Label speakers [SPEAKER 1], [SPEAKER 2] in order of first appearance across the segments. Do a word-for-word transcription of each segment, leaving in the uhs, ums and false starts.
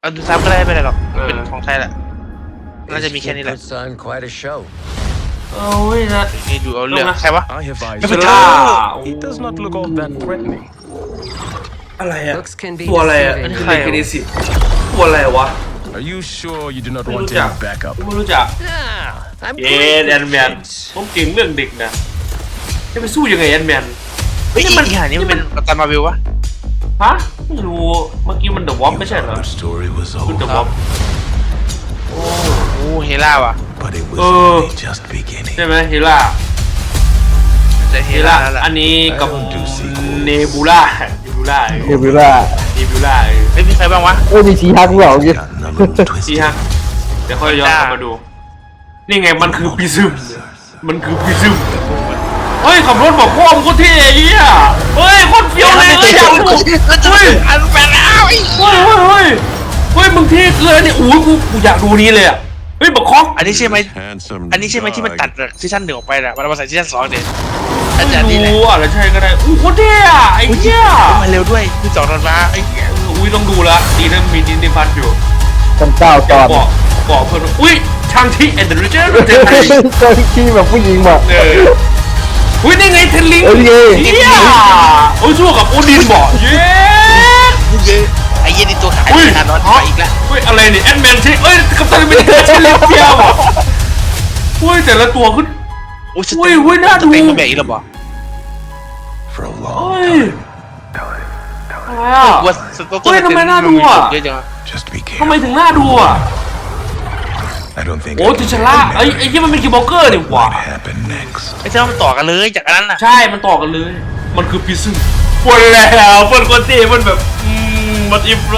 [SPEAKER 1] เอาดูซ้ำก็ได้ไม่เป็นไรหรอกเป็นของไทยแหละน่าจะมีแค่นี้แหละ
[SPEAKER 2] Puts on quite a show.
[SPEAKER 3] โอ้ยนะ
[SPEAKER 1] นี่ดูเอาเรื่องใครวะ
[SPEAKER 2] I have eyes.
[SPEAKER 3] เซล่า
[SPEAKER 2] He does not look all that threatening.
[SPEAKER 3] อะไรอะ
[SPEAKER 4] Looks can be
[SPEAKER 3] ตัวอะไรอะ
[SPEAKER 4] deceiving.
[SPEAKER 3] คือเด็กเกเรสิตัวอะไรวะ
[SPEAKER 2] Are you sure you do not
[SPEAKER 3] ไม่
[SPEAKER 2] want
[SPEAKER 3] รู้จัก
[SPEAKER 2] any backup?
[SPEAKER 3] ไม่รู้จัก
[SPEAKER 4] Ah, I'm
[SPEAKER 3] เอ็น
[SPEAKER 4] great
[SPEAKER 3] แอ
[SPEAKER 4] with
[SPEAKER 3] นแมน
[SPEAKER 4] kids.
[SPEAKER 3] ผมเก่งเรื่องเด็กนะจะไปสู้ยังไงแอนแมน
[SPEAKER 1] เฮ้ยอีห่านี่มันเป็นกัปตันมาร์เวลวะ
[SPEAKER 3] ฮะไม่รู้เมื่อกี้มันเดอะวอปไม่ใช่เหรอ
[SPEAKER 5] Our story was
[SPEAKER 3] คือเดอะ
[SPEAKER 5] over,
[SPEAKER 3] วอป
[SPEAKER 1] โอ้เฮล่าว่ะ
[SPEAKER 5] but it was
[SPEAKER 3] Oh.
[SPEAKER 5] only just beginning.
[SPEAKER 3] ใช่ไหมเฮล่า
[SPEAKER 1] แต่เฮ
[SPEAKER 3] เฮ
[SPEAKER 1] ล่า
[SPEAKER 3] ล่า
[SPEAKER 1] แล้วล่ะ
[SPEAKER 3] อันนี้กับ
[SPEAKER 5] I don't do sequels.
[SPEAKER 3] เนบูล่าเนบูล่า
[SPEAKER 6] เอวิล่า
[SPEAKER 3] เนบูล่า
[SPEAKER 1] เฮ้ยมีใครบ้างวะ
[SPEAKER 6] เอ้ยมีชีฮักด้วยเหรอเมื่อกี้
[SPEAKER 5] Gotten a little
[SPEAKER 3] ดี
[SPEAKER 5] twisted.
[SPEAKER 3] ฮะเดี๋ยวค่อยย้อนกลับมาดู นี่ไงมันคือปีซึมมันคือปีซึมเฮ้ยขับรถบอกพ่อมงโคตรเท่ไอ้เหี้ยเฮ้ยโคตรเฟี้ยวเลยเฮ้ยอยากดูเฮ้ย
[SPEAKER 1] อันแปลแล้วไอ้
[SPEAKER 3] เฮ้ยเฮ้ยเฮ้ยเฮ้ยมึงเท่เกินเนี่ยอู้กูกูอยากดูนี้เลยอ่ะเฮ้ยบักคอก
[SPEAKER 1] อันนี้ใช่ไหม
[SPEAKER 5] Handsome
[SPEAKER 1] อันนี้ใช่ไหมที่มันตัด
[SPEAKER 5] dog.
[SPEAKER 1] จากซีซั่นหนึ่งออกไปน่ะมันเอามาใส่ซีซั่นสองเด็ดอาจ
[SPEAKER 3] ไม่
[SPEAKER 1] จะนี่แหละ
[SPEAKER 3] รู้อ่ะแล้วใช่ก็ได้อู้โคตรเท่อะไอ้เหี้ย
[SPEAKER 1] มาเร็วด้วยคือสองตอนมาไอ้เหี้ย
[SPEAKER 3] อุ้ยต้องดูละดีนะมีดินดิพัทอยู่
[SPEAKER 6] กันเก้าตอน
[SPEAKER 3] บอกบอกเพื่อนอุ้ยชางที่แอนเดอร์เจอร์เจอไทย
[SPEAKER 6] ตอนที่แบบผู้หญิงแบบ
[SPEAKER 3] เอออุ้ยนี่ไงเทนลิง
[SPEAKER 6] เอ้ยนี่ไง
[SPEAKER 3] เฮียโอ้ยสู้กับโอดินบอกเย้
[SPEAKER 1] ไอ้เหี้ยนี่ตัวขาย
[SPEAKER 3] อุ้ย
[SPEAKER 1] ขนาดนอนไปอีกแล้ว
[SPEAKER 3] อุ้ยอะไรเนี่ยแอนแมนใช่เอ้ยกัปตันอเมริกาใช่เล็กเดียวบอกอุ้ยแต่ละตัวขึ้น
[SPEAKER 1] โอ้ย
[SPEAKER 3] อุ้ยอุ้ยน่าดู
[SPEAKER 1] เต็งมาแบกอีกแล้วบอก
[SPEAKER 5] For a
[SPEAKER 3] เฮ้
[SPEAKER 5] long
[SPEAKER 3] ย
[SPEAKER 5] time.
[SPEAKER 3] อะไรอ่ะ
[SPEAKER 1] ว่าสต๊อก
[SPEAKER 3] เฮ้ยทำไมน่าดูอ่ะ
[SPEAKER 1] เยอะจัง
[SPEAKER 5] Just be
[SPEAKER 3] ทำไม
[SPEAKER 5] careful.
[SPEAKER 3] ถึงน่าดูอ่ะ
[SPEAKER 5] I don't think
[SPEAKER 3] โอ้
[SPEAKER 5] I
[SPEAKER 3] ติ
[SPEAKER 5] can
[SPEAKER 3] ชล่า
[SPEAKER 5] imagine
[SPEAKER 3] ไอ้ไอ้ยี่มันเป็นคิวบล็อกเกอร์นี่หว่า
[SPEAKER 5] what happened next.
[SPEAKER 1] ไม่ใช่ว่ามันต่อกันเลยจากอันนั้นน่ะ
[SPEAKER 3] ใช่มันต่อกันเลย มันคือพิซซึมปนแล้วปนคนที่มันแบบอืมมันอิฟละ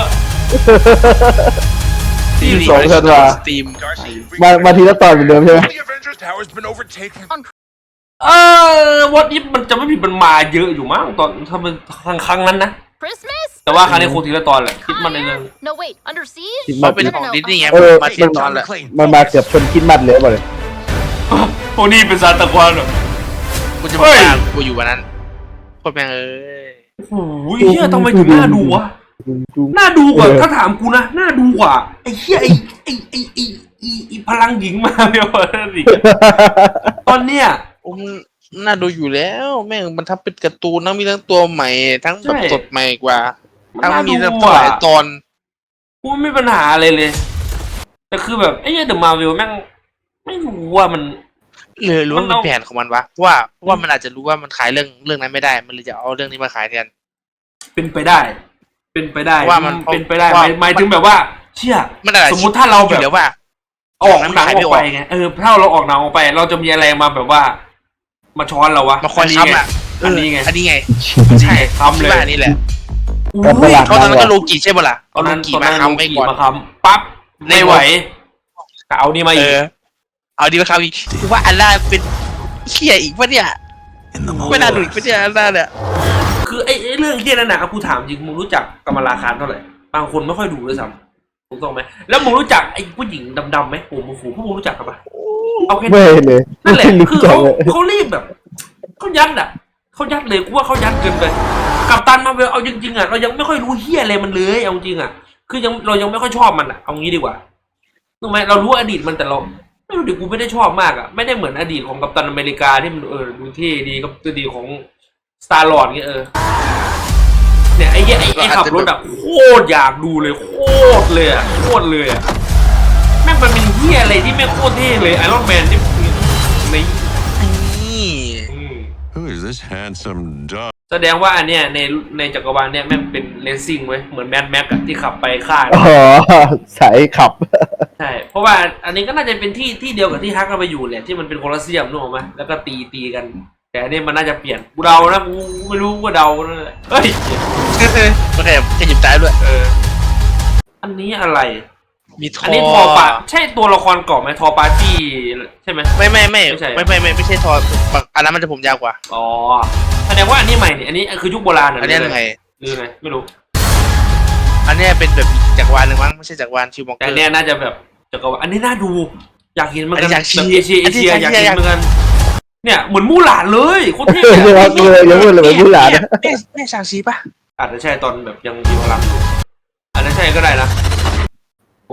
[SPEAKER 6] ที่สองธันวา
[SPEAKER 1] สตรีม
[SPEAKER 6] มามาทีละตอนเหมือนเดิมใช่ไหม
[SPEAKER 5] The Avengers Tower's been overtaken.
[SPEAKER 3] เออวอตอิฟมันจะไม่ผิดมันมาเยอะอยู่มั้งตอนถ้ามันครั้งครั้งนั้นนะ
[SPEAKER 7] Christmas?
[SPEAKER 3] แต่ว่าครั้งนี้คงทีละตอนแหละคิดมันในเรื่อง
[SPEAKER 7] No, wait. Under siege?
[SPEAKER 6] คิด
[SPEAKER 1] มั
[SPEAKER 6] มาน
[SPEAKER 1] เป็นของดิสนีย์ไง
[SPEAKER 6] เออ
[SPEAKER 1] มาเทียบตอนแหละ
[SPEAKER 6] มันมาเกือบชนคิดมัดเลยบ่เลย
[SPEAKER 3] โอ้นี่เป็นซานตาคลอนเหรอ
[SPEAKER 1] กูจะ
[SPEAKER 3] เฮ้
[SPEAKER 1] มาย ตามกูอยู่วันนั้นโคตรแม่งเอ้ย
[SPEAKER 3] โอ้โหเฮียทำไมถึงน่าดูวะน่าดูกว่าถ้าถามกูนะน่าดูกว่าไอ้เฮียไอ้ไอ้ไอ้ไอ้ไอ้ไอ้พลังหญิงมาเดียวนั่นอีกตอนเนี้ย
[SPEAKER 1] โอ้มันน่าดูอยู่แล้วแม่งมันทำเป็นการ์ตูนทั้งมีทั้งตัวใหม่ทั้งแบบสดใหม่กว่า
[SPEAKER 3] มัน
[SPEAKER 1] ทั้ง
[SPEAKER 3] น่า
[SPEAKER 1] มี
[SPEAKER 3] ดู
[SPEAKER 1] ทั้งห
[SPEAKER 3] อ่ะ
[SPEAKER 1] ลายตอน
[SPEAKER 3] กูไม่มีปัญหาอะไรเลย แต่คือแบบไอ้เหี้ยเดอะมาร์เวลแม่งไม่รู้ว่ามัน
[SPEAKER 1] เลยรู้ว่า
[SPEAKER 3] มั
[SPEAKER 1] มัน น
[SPEAKER 3] เอา
[SPEAKER 1] แผนของมันวะว่าว่ามันอาจจะรู้ว่ามันขายเรื่องเรื่องนั้นไม่ได้ มันเลยจะเอาเรื่องนี้มาขายแทน
[SPEAKER 3] เป็นไปได้ เป็นไปได้
[SPEAKER 1] ว่ามัน
[SPEAKER 3] เป็นไปได้
[SPEAKER 1] ว่า
[SPEAKER 3] หมายหมายถึงแบบว่า เชี่ย
[SPEAKER 1] มันอาจจะ
[SPEAKER 3] สมมุติถ้าเรา
[SPEAKER 1] อ
[SPEAKER 3] แบ
[SPEAKER 1] ยู่
[SPEAKER 3] บ
[SPEAKER 1] แล้วว่า
[SPEAKER 3] ออกหนัง
[SPEAKER 1] มันขาย
[SPEAKER 3] อ
[SPEAKER 1] ไม่
[SPEAKER 3] อก
[SPEAKER 1] ออก
[SPEAKER 3] ไปไงเออถ้าเราออกหนังออกไป เราจะมีอะไรมาแบบว่า มาช้อนเราวะ
[SPEAKER 1] มาคอย
[SPEAKER 3] นี้
[SPEAKER 1] ค้ำ
[SPEAKER 3] ไง
[SPEAKER 1] อ่ะ
[SPEAKER 3] อันนี้ไง
[SPEAKER 1] อันนี้ไง
[SPEAKER 3] ใช่ค้ำเลย
[SPEAKER 1] คิดว่าอันนี้แหละ
[SPEAKER 3] อุ้ย
[SPEAKER 1] เขาตอนนั้นก็โลกิใช่ปะล่ะ
[SPEAKER 3] ตอน
[SPEAKER 1] เอาโล
[SPEAKER 3] นั้น
[SPEAKER 1] กิ
[SPEAKER 3] ตอน
[SPEAKER 1] มา
[SPEAKER 3] นั้น
[SPEAKER 1] ค้ำไว้ก่อน
[SPEAKER 3] มาค้ำปั๊บไม่ไหวก็เอานี่มา
[SPEAKER 1] เอ
[SPEAKER 3] อีก
[SPEAKER 1] อเอาดีมาค้ำอีกกูว่าอันน่าเป็นเขี้ยอีกปะเนี่ย
[SPEAKER 5] In the
[SPEAKER 1] ไม่
[SPEAKER 5] moment.
[SPEAKER 1] น่าดูอีกปะเนี่ยอันน่าเนี่ย
[SPEAKER 3] คือไอ้ไอ้เรื่องเฮี้ยนั่นน่ะกูถามจริงมึงรู้จักกำมลาคารเท่าไหร่บางคนไม่ค่อยดูด้วยซ้ำถูกต้องไหมแล้วมึงรู้จักไอ้ผู้หญิงดำๆไหมโอ้โหฟูพวกมึงรู้จักกันปะเอาแค่
[SPEAKER 6] ไม่เลย
[SPEAKER 3] นั่นแหละ
[SPEAKER 6] ไม่รู้
[SPEAKER 3] คือ
[SPEAKER 6] จัก
[SPEAKER 3] เขา
[SPEAKER 6] เลย
[SPEAKER 3] เขารีบแบบเขายัดอ่ะเขายัดเลยกูว่าเขายัดเกินไปกัปตันมาเวลเอาจริงๆอ่ะเรายังไม่ค่อยรู้เฮี้ยอะไรมันเลยเอาจริงอ่ะคือยังเรายังไม่ค่อยชอบมันอ่ะเอางี้ดีกว่าถูกไหมเรารู้อดีตมันแต่เราไม่รู้ดิกูไม่ได้ชอบมากอ่ะไม่ได้เหมือนอดีตของกัปตันอเมริกาที่มันเออดูเท่ดีกับตัวดีของสตาร์ลอร์ดเงี้ยเออเนี่ยไอ้เหี้ยไอ้ไอ้ขับรถอ่ะโคตรอยากดูเลยโคตรเลยอ่ะโคตรเลยอ่ะแม่งมันเป็นเหี้ยอะไรที่แม่งโคตรเท่เลยไอรอนแมนที่ใน
[SPEAKER 1] นี่
[SPEAKER 3] อืม
[SPEAKER 5] Who is this handsome dog?
[SPEAKER 3] แสดงว่าอันเนี้ยในในจักรวาลเนี่ยแม่งเป็นเลสซิ่งเว้ยเหมือนแมนแม็กอะที่ขับไปฆ่า
[SPEAKER 6] อ๋อสายขับ
[SPEAKER 3] ใช่เพราะว่าอันนี้ก็น่าจะเป็นที่ที่เดียวกับที่ฮักกันไปอยู่แหละที่มันเป็นโคลอสเซียมนึกออกไหมแล้วก็ตีตีกัน แต่อันนี้มันน่าจะเปลี่ยนกูเดานะกูไม่รู้ว่าเดานั่นแหละเฮ้ย
[SPEAKER 1] โอเคแค่หยิบใจด้วย
[SPEAKER 3] เอออันนี้อะไร
[SPEAKER 1] มีทอ
[SPEAKER 3] อันนี้ทอปาใช่ตัวละครเก่าไหมทอปาจี้ใช่ไหม
[SPEAKER 1] ไม่ไม่ไม่
[SPEAKER 3] ไม่ใช่
[SPEAKER 1] ไม่ไม่ไม่ไม่ใช่ทออันนั้นมันจะผมยาวกว่า
[SPEAKER 3] อ๋อแสดงว่าอันนี้ใหม่เนี่ยอันนี้คือยุคโบราณเหร
[SPEAKER 1] อันนี้
[SPEAKER 3] หรื
[SPEAKER 1] ยังไง
[SPEAKER 3] หรือไงไม่รู้
[SPEAKER 1] อันนี้เป็นแบบจักรวาลหนึ่งมั้งไม่ใช่จักรวาลชิวมองเก
[SPEAKER 3] แต่
[SPEAKER 1] อ
[SPEAKER 3] อัน
[SPEAKER 1] ร์
[SPEAKER 3] เนี้ยน่าจะแบบจักรวาลอันนี้น่าดูอยากเห็นเหมือนกัน
[SPEAKER 1] อันนี้อยากชี้
[SPEAKER 3] แบบเอเชียเอเชีย
[SPEAKER 1] อันนี้
[SPEAKER 3] อยาก
[SPEAKER 1] อยาก
[SPEAKER 3] เห็นเหมือนกันเนี่ยเหมือนมู่หลานเลยโคตรเท่
[SPEAKER 6] เออ
[SPEAKER 3] อะ
[SPEAKER 6] เดี๋ยวเราเลยยังพูดเลยเหมือนผู้หลาน
[SPEAKER 1] แม่แม่ชางซีป่ะ
[SPEAKER 3] อาจจะใช่ตอนแบบยังมีพลังอยู่อาจจะใช่ก็ได้นะ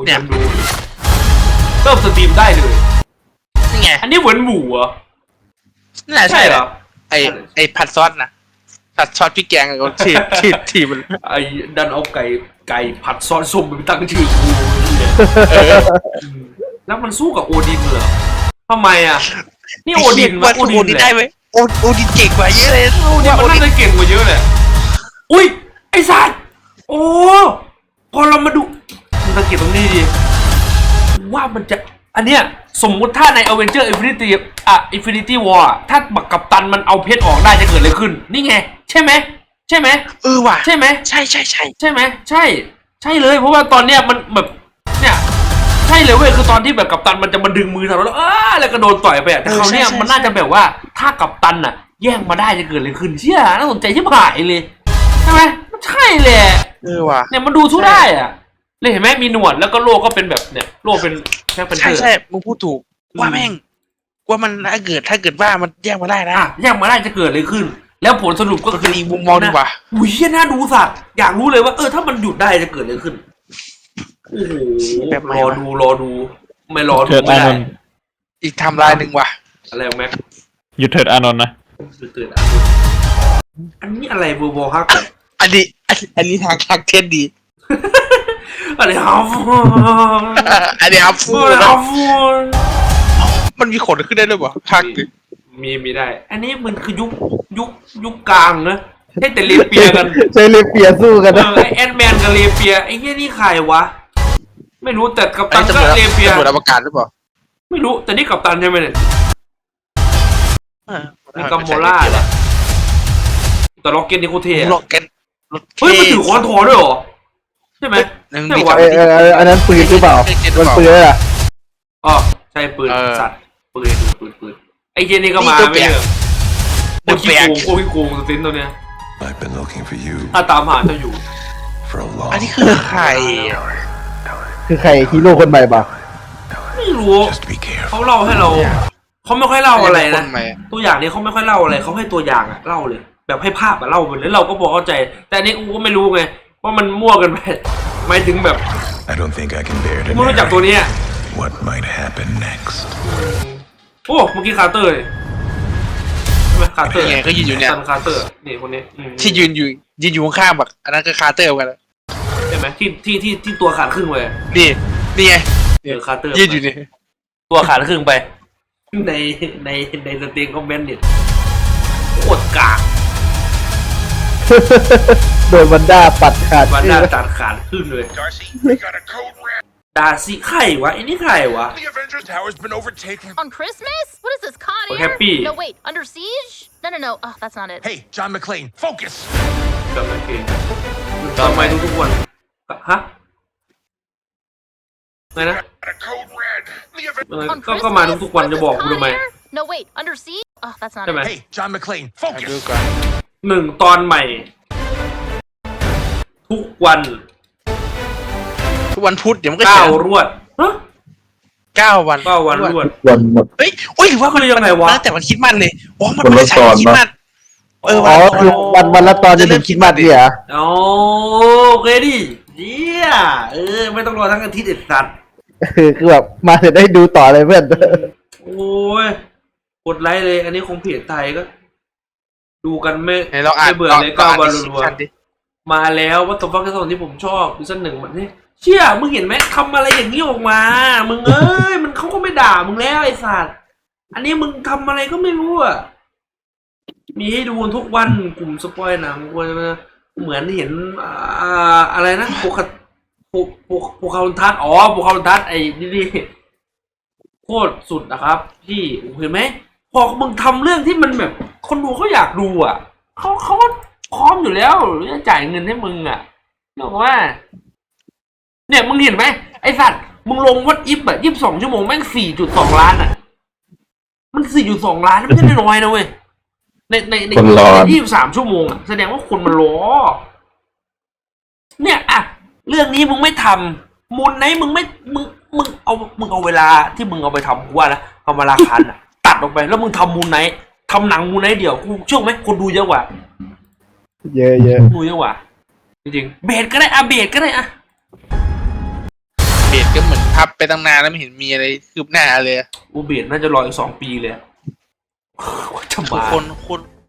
[SPEAKER 3] อ้ยยังดูเริ่มสตรีมได้เลย
[SPEAKER 1] นี่ไง
[SPEAKER 3] อันนี้เหมือนหมูเหรอ
[SPEAKER 1] น่า
[SPEAKER 3] ใช่
[SPEAKER 1] ใช่
[SPEAKER 3] เห
[SPEAKER 1] เห
[SPEAKER 3] ร
[SPEAKER 1] ร
[SPEAKER 3] อ
[SPEAKER 1] อไอไอผัดซอสนะผัดซอสพริกแกงกับ ทีทีทีมัน
[SPEAKER 3] ไอ้ดันเอาไก่ไก่ผัดซอสส้มไปตั้งชื่อกูแล้วมันสู้กับโอดินเหรอทำไมอ่ะนี่โอดิน
[SPEAKER 1] ว่า
[SPEAKER 3] โอ
[SPEAKER 1] โอ
[SPEAKER 3] ดิน
[SPEAKER 1] ดิน
[SPEAKER 3] แห
[SPEAKER 1] ได้
[SPEAKER 3] ละ
[SPEAKER 1] ไหมโอโอดินเก่งกว่าเยอะเลย
[SPEAKER 3] โอดินมันน่าจะเก่งกว่าเยอะเลยอุ้ยไอ้สัตว์โอ้พอเรามาดูมันสังเกตตรงนี้ดิว่ามันจะอันเนี้ยสมมุติถ้าใน Avenger Infinity อ่ะ Infinity War อะถ้าบักกัปตันมันเอาเพชรออกได้จะเกิดอะไรขึ้นนี่ไงใช่ไหมใช่ไหม
[SPEAKER 1] เออว่ะ
[SPEAKER 3] ใช่ไหม
[SPEAKER 1] ใช่ใช่ใช่
[SPEAKER 3] ใช่ไหมใช่ ใช่เลยเพราะว่าตอนเนี้ยมันแบบเนี่ยใช่เลยเว้ยคือตอนที่แบบกัปตันมันจะมาดึงมือเราแล้วอ้าแล้วก็โดนต่อยไปอะแต่คราวเนี้ยมันน่าจะแบบว่าถ้ากัปตันอะแย่งมาได้จะเกิดอะไรขึ้นเชี่ยน่าสนใจที่หายเลยใช่ไหมมันใช่เลย
[SPEAKER 1] เออว่ะ
[SPEAKER 3] เนี่ยมันดูทุกได้อะเลยเห็นไหมมีหนวดแล้วก็โลก็เป็นแบบเนี่ยโลเป็นแค่เป็น
[SPEAKER 1] ใช่
[SPEAKER 3] เธอ
[SPEAKER 1] ใช่มึงพูดถูกว่าแม่งว่ามันถ้าเกิดถ้าเกิดว่ามันแยกมาได้นะ
[SPEAKER 3] อ่ะแย่งมาได้จะเกิดอะไรขึ้น แล้วผลสรุปก็
[SPEAKER 1] ก็
[SPEAKER 3] คื
[SPEAKER 1] คือ ออีกมุมมองดีกว่า
[SPEAKER 3] อุ้ยเชี่ยน่าดูสัตว์อยากรู้เลยว่าเออถ้ามันหยุดได้จะเกิดอะไรขึ้นโอ้โห
[SPEAKER 1] แบบไหน
[SPEAKER 3] รอ
[SPEAKER 1] วะ
[SPEAKER 3] ดูรอดูไม่รอดู
[SPEAKER 6] เถิด
[SPEAKER 3] ไม่
[SPEAKER 6] อาน
[SPEAKER 3] ได้
[SPEAKER 6] นท์
[SPEAKER 1] อีกไทำลายหนึ่งว่ะ
[SPEAKER 3] อะไรของแม็ก
[SPEAKER 6] หยุดเถิดอานนท์นะ
[SPEAKER 3] ตื่นตื่นอ่ะอันนี้อะไรเบอร์บอฮัก
[SPEAKER 1] อันนี้อันอันนี้ทางทางเทนดี
[SPEAKER 3] อะไรฮาฟู
[SPEAKER 1] อันนี้ครับฟู
[SPEAKER 3] อะไร
[SPEAKER 1] นะ
[SPEAKER 3] ฮาฟู
[SPEAKER 1] มันมีขนขึ้นได้ด้วยป่ะทางดิ
[SPEAKER 3] มีมีได้ อันนี้มันคือยุคยุคยุคกลางนะให้แต่เลเปียกัน
[SPEAKER 6] ใช้เลเปียสู้กัน
[SPEAKER 3] เอ
[SPEAKER 6] นะ
[SPEAKER 3] อไอแอนแมนกับเลเปียไอ้เหี้ยนี่ใครวะไม่รู้แต่กัป
[SPEAKER 1] อัน
[SPEAKER 3] ตัน
[SPEAKER 1] นี้
[SPEAKER 3] ก็
[SPEAKER 1] ตำรวจ
[SPEAKER 3] เลเปีย
[SPEAKER 1] ตำรวจอวกาศหรือเปล่า
[SPEAKER 3] ไม่รู้แต่นี่กัปตันใช่ไหมเนี่ย
[SPEAKER 1] เออ
[SPEAKER 3] มีกัมโมล่าแหละแต่ล็อกเก็ตนี่โคตรเท่อะ
[SPEAKER 1] ล็อกเก็ตรถ
[SPEAKER 3] เฮ้ยมันถือคอนโทรลด้วยเหรอใช่ไหม
[SPEAKER 1] หนึ่ง
[SPEAKER 3] ใช่
[SPEAKER 1] มี
[SPEAKER 3] วะ
[SPEAKER 1] กับ
[SPEAKER 6] เออเออเอออันนั้นปืนหรือเปล่ามันปืนเลยอ่ะ
[SPEAKER 3] อ๋อใช่ปืน
[SPEAKER 1] เออ
[SPEAKER 3] สัตว์ปืนปืนปืนไอ้เจนี่ก็มา
[SPEAKER 1] นี่ตัว
[SPEAKER 3] ไม่
[SPEAKER 1] แปลก
[SPEAKER 3] เหรอโคตรขี้โกงโคตรขี้โกงสตินตัวเนี้ย
[SPEAKER 5] I've been looking for you
[SPEAKER 3] ถ้าตามหาเจ้าอยู่
[SPEAKER 5] for a long
[SPEAKER 1] อันนี้คือใคร
[SPEAKER 6] คือใครฮีโร่คนใหม่ป่ะ
[SPEAKER 3] ไม่รู้
[SPEAKER 5] Just be
[SPEAKER 3] เขา
[SPEAKER 5] careful.
[SPEAKER 3] เล่าให้เราเขาไม่ค่อยเล่าอะไรนะ
[SPEAKER 1] คนใหม่
[SPEAKER 3] ตัวอย่างนี้เขาไม่ค่อยเล่าอะไรเขาให้ตัวอย่างอะเล่าเลย แบบให้ภาพอะเล่าไปเลยเราก็พอเข้าใจ แต่อันนี้กูก็ไม่รู้ไงว่ามันมั่วกันไปหมายถึงแบบ
[SPEAKER 5] I don't think I can bear to
[SPEAKER 3] ไม่รู้จักตัวนี้อะ
[SPEAKER 5] narrate what might happen next.
[SPEAKER 3] โอ้เมื่อกี้คาร์เตอร์เลยใช่ไหมคาร์เตอร์
[SPEAKER 1] นี่ไงก็ยืนอยู่เนี่ย
[SPEAKER 3] ซันคาร์เตอร์นี่คนนี้อืม
[SPEAKER 1] ที่ยืนอยู่ยืนอยู่ข้างๆแบบอันนั้นก็คาร์เตอร์เหมือนกันนะ
[SPEAKER 3] ใช่ไหมที่ที่ที่ที่ตัวขาดครึ่งไป
[SPEAKER 1] นี่นี่ไง
[SPEAKER 3] เออคาร์เตอร์
[SPEAKER 1] ยืนอยู่นี่
[SPEAKER 3] ตัวขาดครึ่งไป ในในในสตรีมคอมเมนต์เนี่ยโคตรกาก
[SPEAKER 6] โดนวันด้าปัดขาด
[SPEAKER 3] มันน่าตัดขาดครึ่งเลย
[SPEAKER 5] Darcy, we got a code red.
[SPEAKER 3] ดาซี่ใครวะไอ้นี่ใครวะ
[SPEAKER 5] The Avengers Tower's been overtaken.
[SPEAKER 4] On Christmas? What is this, Con
[SPEAKER 3] We're
[SPEAKER 4] Air?
[SPEAKER 3] happy.
[SPEAKER 4] No, wait, Under Siege? No, no, no. Oh, that's not it.
[SPEAKER 5] Hey, John McClane, focus.
[SPEAKER 3] จำไม่เก่งทำไมทุกๆวันฮะไงนะ
[SPEAKER 5] Got a code red. The
[SPEAKER 3] เออ
[SPEAKER 4] On
[SPEAKER 3] ก็
[SPEAKER 4] Christmas?
[SPEAKER 3] ก็มาทุกๆวัน
[SPEAKER 4] What
[SPEAKER 3] จะ
[SPEAKER 4] is
[SPEAKER 3] บอก
[SPEAKER 4] this,
[SPEAKER 3] กู
[SPEAKER 4] Con
[SPEAKER 3] ทำไม
[SPEAKER 4] Air? No, wait, Under Siege? Oh, that's not
[SPEAKER 3] ใช่ไหม
[SPEAKER 4] it.
[SPEAKER 5] Hey, John McClane,
[SPEAKER 1] มาดู
[SPEAKER 5] focus.
[SPEAKER 1] ก่อน
[SPEAKER 3] หนึ่งตอนใหม่ ทุกวัน
[SPEAKER 1] ทุกวันพุธเดี๋ยวมันก็
[SPEAKER 3] เก้า
[SPEAKER 1] เขียน
[SPEAKER 3] รวดฮะ
[SPEAKER 1] เก้าวัน
[SPEAKER 3] เก้าวันรวด
[SPEAKER 6] วันหมด
[SPEAKER 1] เฮ้ยโอ้ยหรือว่ามัน
[SPEAKER 3] คือยังไงวะ
[SPEAKER 1] มันตั้งแต่วันคริดมันเลยอ๋อมัน
[SPEAKER 6] วันละ
[SPEAKER 1] ไม่ใช่วันคริด
[SPEAKER 6] ตอน
[SPEAKER 1] มั
[SPEAKER 6] ปะ
[SPEAKER 1] นเออ
[SPEAKER 6] อ๋อ
[SPEAKER 1] วันละต
[SPEAKER 6] คือวันวันละตอนจะถึงคิดมัดเนี่ยเหรอ
[SPEAKER 3] อ๋อโอเคดิเยี่ยเออไม่ต้องรอทั้งอาทิตย์เด็ดสัตว์
[SPEAKER 6] คือคือแบบมาจะได้ดูต่อเลยเพื่อน
[SPEAKER 3] โอ้ยกดไลค์เลย อันนี้คงเพจไทยก็ ดูกันไม่
[SPEAKER 1] ไหนเราอ่าน
[SPEAKER 3] ไม่เบื่อเลย
[SPEAKER 1] ร
[SPEAKER 3] เก้าวัน
[SPEAKER 1] อ่
[SPEAKER 3] รัว
[SPEAKER 1] อ่านดิ
[SPEAKER 3] ๆมาแล้ววัตถุฟักที่ที่ผมชอบซีซั่นหนึ่งมันนี่เชี่ยมึงเห็นไหมทำอะไรอย่างนี้ออกมา มึงเอ้ยมันเขาก็ไม่ด่ามึงแล้วไอ้สัตว์อันนี้มึงทำอะไรก็ไม่รู้อ่ะมีให้ดูทุกวันกลุ่มสปอยหนังกูจะเหมือนเห็นอ่าอะไรนะโปกโปกโปกโปกคาร์ทัสอ๋อโปกคาร์ทัสไอ้นี่นี่โคตรสุดนะครับพี่เห็นไหมพอมึงทำเรื่องที่มันแบบ คนดูเขาอยากดูอ่ะเขาเขาก็พร้อมอยู่แล้วจะจ่ายเงินให้มึงอ่ะบอกว่า เนี่ยมึงเห็นไหมไอสัตว์มึงลงวัดอิฟแบบยี่สิบสองชั่วโมงแม่งสี่จุดสองล้านอ่ะ มันสี่จุดสองล้านไม่ใช่น้อยๆนะเว้ยในในใน
[SPEAKER 6] คนรอ
[SPEAKER 3] ยี่สิบสามชั่วโมงอ่ะแสดงว่าคนมันรอเนี่ยอ่ะเรื่องนี้มึงไม่ทำมูลไหนมึงไม่มึงมึงเอามึงเอาเวลาที่มึงเอาไปทำกูว่านะเอามาราคาอ่ะ ตัดออกไปแล้วมึงทำมูลไหนทำหนังมูลไหนเดียวกูเชื่อไหมคนดูเยอะกว่า
[SPEAKER 6] เยอะเยอะ
[SPEAKER 3] ดูเยอะกว่าจริงๆเบสก็ได้อะเบสก็ได้อะ
[SPEAKER 1] เบสก็พับไปตั้งนานแล้วไม่เห็นมีอะไรคืบหน้าเลย
[SPEAKER 3] อูเบดน่าจะรออีกสองปีเลยว่าจะ
[SPEAKER 1] คือ
[SPEAKER 3] มา
[SPEAKER 1] คนคน